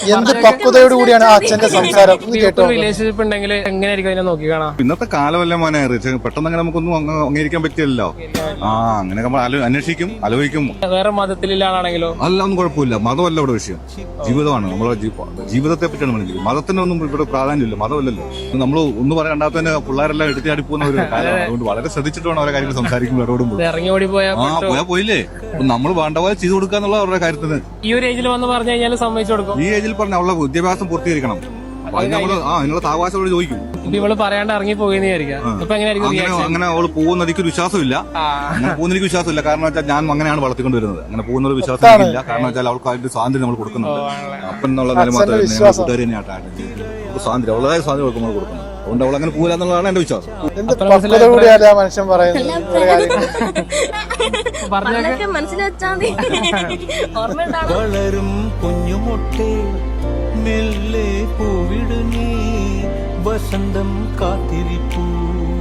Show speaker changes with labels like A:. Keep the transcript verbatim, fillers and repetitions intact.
A: എന്ത് പക്വതയോട് കൂടിയാണ് ആ അച്ഛന്റെ സംസാരം കേട്ടോ.
B: റിലേഷൻഷിപ്പ് ഉണ്ടെങ്കിൽ എങ്ങനെയായിരിക്കും അതിനെ നോക്കി കാണാം.
C: ഇന്നത്തെ കാലമല്ല മോനെ, പെട്ടെന്ന് അങ്ങനെ നമുക്കൊന്നും അംഗീകരിക്കാൻ പറ്റില്ലല്ലോ. ആ അങ്ങനെ നമ്മൾ അന്വേഷിക്കും, ആലോചിക്കും.
B: വേറെ മതത്തിലുള്ള ആളാണെങ്കിലോ
C: അല്ല, ഒന്നും കുഴപ്പമില്ല. മതമല്ല ഇവിടെ വിഷയം, ജീവിതമാണ്. നമ്മളെ ജീവിതത്തെ പറ്റിയാണ് മനസ്സിലാക്കുന്നത്. മതത്തിനൊന്നും ഇവിടെ പ്രാധാന്യമില്ല, മതമല്ലല്ലോ. നമ്മൾ ഒന്ന് പറയാൻ രണ്ടാമത്തെ പിള്ളേരെല്ലാം എടുത്തിയാടി പോകുന്ന ഒരു കാലമാണ്. അതുകൊണ്ട് വളരെ ശ്രദ്ധിച്ചിട്ട് വേണം ഓരോ കാര്യങ്ങൾ സംസാരിക്കുമ്പോൾ ഇടപെടുമ്പോൾ.
B: ഇറങ്ങി ഓടി പോയാൽ
C: ആ പോയാ പോയില്ലേ, നമ്മൾ വേണ്ട പോലെ ചെയ്തു കൊടുക്കാന്നുള്ള അവരുടെ കാര്യത്തിന്.
B: ഈ ഒരു ഏജിൽ വന്ന് പറഞ്ഞു കഴിഞ്ഞാൽ സമ്മതിച്ചു കൊടുക്കും.
C: ഈ ഏജിൽ പറഞ്ഞ അവളുടെ വിദ്യാഭ്യാസം പൂർത്തീകരിക്കണം. നമ്മള് ആ നിങ്ങളുടെ താവാസോട് ചോദിക്കും.
B: ഇവള് പറയാണ്ട് ഇറങ്ങി പോയെന്ന് വിചാരിക്കാം. അപ്പൊ എങ്ങനെയായിരിക്കും
C: അങ്ങനെ അവള് പോകുന്ന എനിക്ക് വിശ്വാസമില്ല. അങ്ങനെ പോകുന്ന എനിക്ക് വിശ്വാസമില്ല. കാരണം വെച്ചാൽ ഞാൻ അങ്ങനെയാണ് വളർത്തിക്കൊണ്ട് വരുന്നത്. അങ്ങനെ പോകുന്ന ഒരു വിശ്വാസം എനിക്കില്ല. കാരണം വെച്ചാൽ അവൾക്ക് അതിന്റെ സ്വാതന്ത്ര്യം നമ്മൾ കൊടുക്കുന്നുണ്ട്. അപ്പൻ എന്നുള്ള നില മാത്രമേ കൂട്ടുകാരി തന്നെയാട്ടാണ് സ്വാതന്ത്ര്യം, അവളതായ സ്വാതന്ത്ര്യം അവൾക്ക് നമ്മൾ കൊടുക്കുന്നത്. അതുകൊണ്ട് അവൾ അങ്ങനെ പോകില്ല എന്നുള്ളതാണ് എന്റെ വിശ്വാസം.
A: മനുഷ്യൻ പറയുന്നത്
D: വളരും കുഞ്ഞുമൊട്ടേ മെല്ലെ പൂവിട നീ വസന്തം കാത്തിരിപ്പൂ.